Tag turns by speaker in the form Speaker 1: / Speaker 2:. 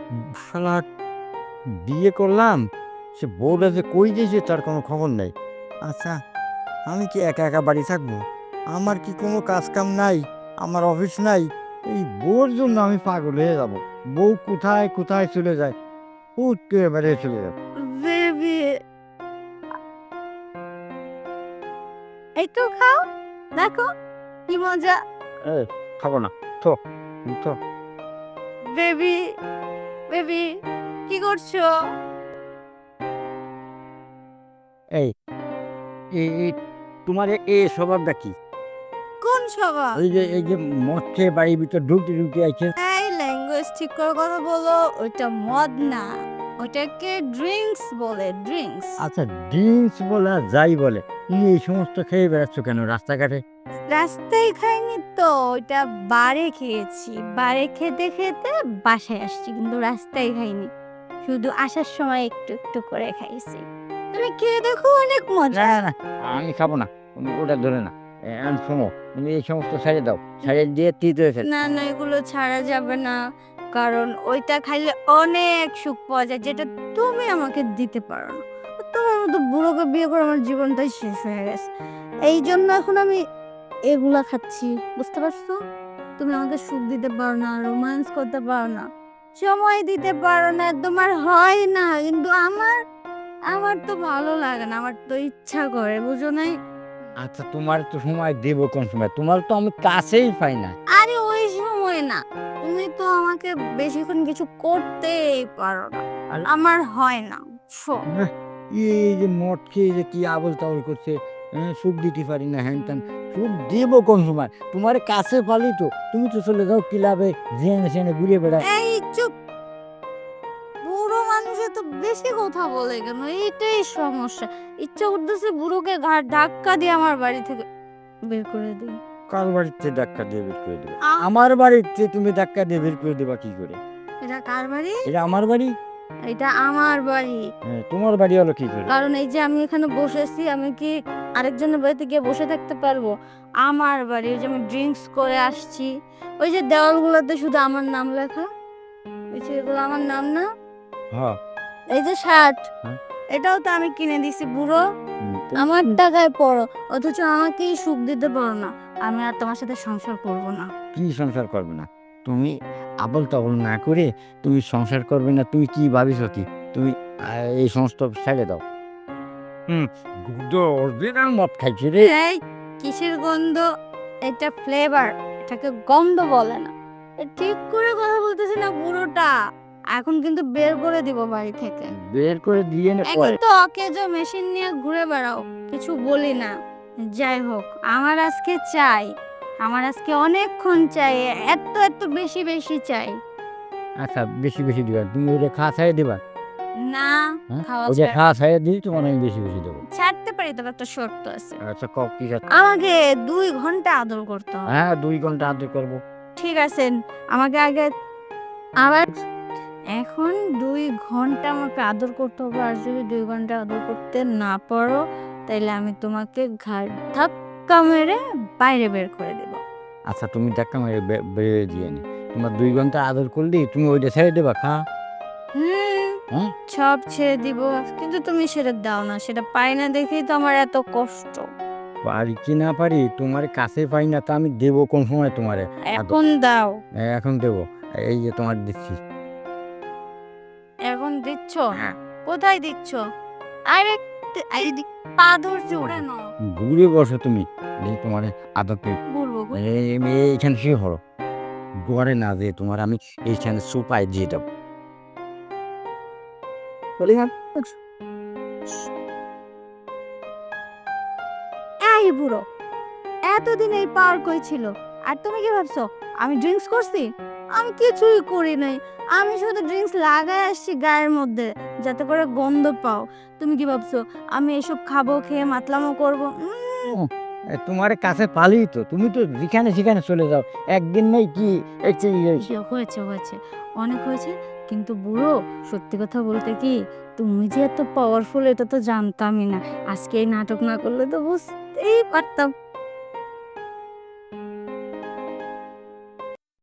Speaker 1: শালা বিয়ে করলাম, সে বউটা যে কই গেছে তার কোনো খবর নেই। আচ্ছা, আমি কি একা একা বাড়ি থাকবো? আমার কি কোনো কাজ কাম নাই? আমার অফিস নাই? এই বউর জন্য আমি পাগল হয়ে যাব। বউ কোথায় কোথায় চলে যায়, হুট করে বেরিয়ে চলে যাবে।
Speaker 2: বেবি, একটু খাও, দেখো কি মজা।
Speaker 1: এ, খাবো না, থো থো।
Speaker 2: বেবি, বেবি, কি করছো?
Speaker 1: এই এই তোমার এ স্বভাবটা কি?
Speaker 2: কোন স্বভাব?
Speaker 1: এই যে মদ খেয়ে বাড়ির ভিতর ঢুকতে ঢুকতে আছে।
Speaker 2: এই ল্যাঙ্গুয়েজ ঠিক করে কথা বলো। ওইটা মদ না, ওটাকে ড্রিঙ্কস বলে, ড্রিঙ্কস।
Speaker 1: আচ্ছা, ড্রিঙ্কস বলে আর যাই বলে, তুমি এই সমস্ত খেয়ে বেড়াচ্ছ কেন রাস্তাঘাটে?
Speaker 2: রাস্তায় খাইনি তো, ওইটা বারে খেয়েছি। বারে খেতে খেতে বাসায় আসছি, কিন্তু রাস্তায় খাইনি, শুধু আসার সময় একটু একটু করে খাইছি। তুমি খেয়ে দেখো, অনেক
Speaker 1: না
Speaker 2: মজা।
Speaker 1: না না, আমি খাবো না, তুমি ওটা ধরে না। এখন শোনো, তুমি এই সমস্ত ছেড়ে দাও, ছেড়ে দিয়ে তিত হয়ে ফেল।
Speaker 2: না না, এগুলো ছাড়া যাবে না, কারণ ওইটা খাইলে অনেক সুখ পাওয়া যায়, যেটা তুমি আমাকে দিতে পারো না। তোমার মতো বুড়োকে বিয়ে করে আমার জীবনটাই শেষ হয়ে গেছে। এই জন্য এখন আমি এগুলা খাচ্ছি, বুঝতে পারছো? তুমি আমাকে সুখ দিতে পারো না, রোম্যান্স করতে পারো না, সময় দিতে পারো না, তোমার হয় না, কিন্তু আমার আমার তো ভালো লাগে না, আমার তো ইচ্ছা করে, বুঝো নাই?
Speaker 1: আচ্ছা, তোমার তো সময় দেবো কোন সময়? তোমার তো আমি কাছেই পাই না।
Speaker 2: আরে ওই সময় না, তুমি তো আমাকে বেশিক্ষণ কিছু করতেই পারো না, আর আমার হয় না, বুঝছো?
Speaker 1: আহ, এই যে মদ খেয়ে যে কি আবল তাবল করছে, সুখ দিতে পারি না, হ্যান ত্যান। সুখ দেবো কোন সময়? তোমার কাছে পালি তো, তুমি তো চলে যাও ক্লাবে, জেনে সেনে ঘুরে বেড়ায়।
Speaker 2: এই চুপ, বুড়ো মানুষে তো বেশি কথা বলে কেন, এইটাই সমস্যা। ইচ্ছা করতেছে বুড়োকে ঘাট ধাক্কা দিয়ে আমার বাড়ি থেকে বের করে দিই।
Speaker 1: কার বাড়িতে ধাক্কা দিয়ে বের করে দেবে?
Speaker 2: আ,
Speaker 1: আমার বাড়িতে তুমি ধাক্কা দিয়ে বের করে দেবা কি করে?
Speaker 2: এটা কার বাড়ি?
Speaker 1: এটা আমার বাড়ি।
Speaker 2: এটা আমার বাড়ি।
Speaker 1: হ্যাঁ, তোমার বাড়ি হলো কি করে?
Speaker 2: কারণ এই যে আমি এখানে বসেছি, আমি কি আরেকজনের বাড়িতে গিয়ে বসে থাকতে পারবো? আমার বাড়ি, ওই যে আমি ড্রিঙ্কস করে আসছি, ওই যে দেওয়ালগুলোতে শুধু আমার নাম লেখা, ওই যে এগুলো আমার নাম না?
Speaker 1: হ্যাঁ।
Speaker 2: এই যে শার্ট,
Speaker 1: হ্যাঁ।
Speaker 2: এটাও তো আমি কিনে দিছি বুড়ো,
Speaker 1: তো
Speaker 2: আমার টাকায় পরো, অথচ আমাকেই সুখ দিতে পারো না। আমি আর তোমার সাথে সংসার করব না।
Speaker 1: কি সংসার করবে না? তুমি আবল তাবল না করে তুমি সংসার করবে না, তুমি কি ভাবিছো কি? তুমি এই সমস্ত ছেড়ে দাও। হুম, গুড অরিজিনাল মদ খাইছি রে।
Speaker 2: এই কিসের গন্ধ? এটা ফ্লেভার, এটাকে গন্ধ বলে না। ঠিক করে কথা বলতেছি না বুড়োটা, এখন কিন্তু বের করে দিব বাড়ি থেকে।
Speaker 1: বের করে দিয়ে নে
Speaker 2: একই
Speaker 1: পরে।
Speaker 2: তো অকেজো মেশিন নিয়ে ঘুরে বেড়াও, কিছু বলি না। যাই হোক, আমার আজকে চাই, আমার আজকে অনেকক্ষণ চাই, এত এত বেশি বেশি চাই।
Speaker 1: আচ্ছা, বেশি বেশি দিবা, তুমি ওটা খাওয়া ছাড়িয়ে দিবা।
Speaker 2: না,
Speaker 1: হ্যাঁ,
Speaker 2: খাওয়া
Speaker 1: ওটা
Speaker 2: ছাড়
Speaker 1: খাওয়া ছাড়িয়ে দিই, তোমার আমি বেশি বেশি দেবো।
Speaker 2: ছাড়তে পারি, তবে একটা শর্ত আছে।
Speaker 1: আচ্ছা, কক কি আছে?
Speaker 2: আমাকে 2 ঘন্টা আদর করতে হবে।
Speaker 1: হ্যাঁ, 2 ঘন্টা আদর করবো।
Speaker 2: ঠিক আছে, আমাকে আগে আবার এখন 2 ঘন্টা আমাকে আদর করতে হবে, আর যদি 2 ঘন্টা আদর করতে না পারো, তাইলে আমি তোমাকে ঘাড় ধাক্কা মেরে বাইরে বের করে দেব।
Speaker 1: আচ্ছা, তুমি ধাক্কা মেরে বেরিয়ে দিয়ে নি, তোমার 2 ঘন্টা আদর করলি, তুমি ওইটা ছেড়ে দেবা খা?
Speaker 2: হুম,
Speaker 1: হ্যাঁ।
Speaker 2: সব ছেড়ে দিব, কিন্তু তুমি সেটা দাও না, সেটা পাই না দেখেই তো আমার এত কষ্ট।
Speaker 1: পারি কি না পারি, তোমার কাছে পাই না, তা আমি দেবো কোন সময় তোমারে আদর?
Speaker 2: এখন দাও।
Speaker 1: এখন দেবো, এই যে তোমার দিচ্ছি।
Speaker 2: এখন দিচ্ছ?
Speaker 1: হ্যাঁ।
Speaker 2: কোথায় দিচ্ছ? আরে এই পা ধরছি, ওরে না।
Speaker 1: ঘুরে বসো তুমি, এই তোমার আদর পেয়ে
Speaker 2: বলবো গো।
Speaker 1: এইখানে শুয়ে পড়ো। ঘরে না দিয়ে তোমার আমি এইখানে সোফায় দিয়ে দেবো। চলে যান।
Speaker 2: এই বুড়ো, এতদিন এই পাওয়ার কই ছিল? আর তুমি কি ভাবছো আমি ড্রিঙ্কস করছি? আমি কিছুই করি নাই, আমি শুধু ড্রিঙ্কস লাগাই আসছি গায়ের মধ্যে, যাতে করে গন্ধ পাও। তুমি কি ভাবছো আমি এসব খাবো, খেয়ে মাতলামো করবো?
Speaker 1: তোমার কাছে পালি তো, তুমি তো যেখানে সেখানে চলে যাও, একদিন নেই কি?
Speaker 2: হয়েছে হয়েছে, অনেক হয়েছে, কিন্তু বুড়ো, সত্যি কথা বলতে কি, তুমি যে এত পাওয়ারফুল এটা তো জানতামই না। আজকে এই নাটক না করলে তো বুঝতেই পারতাম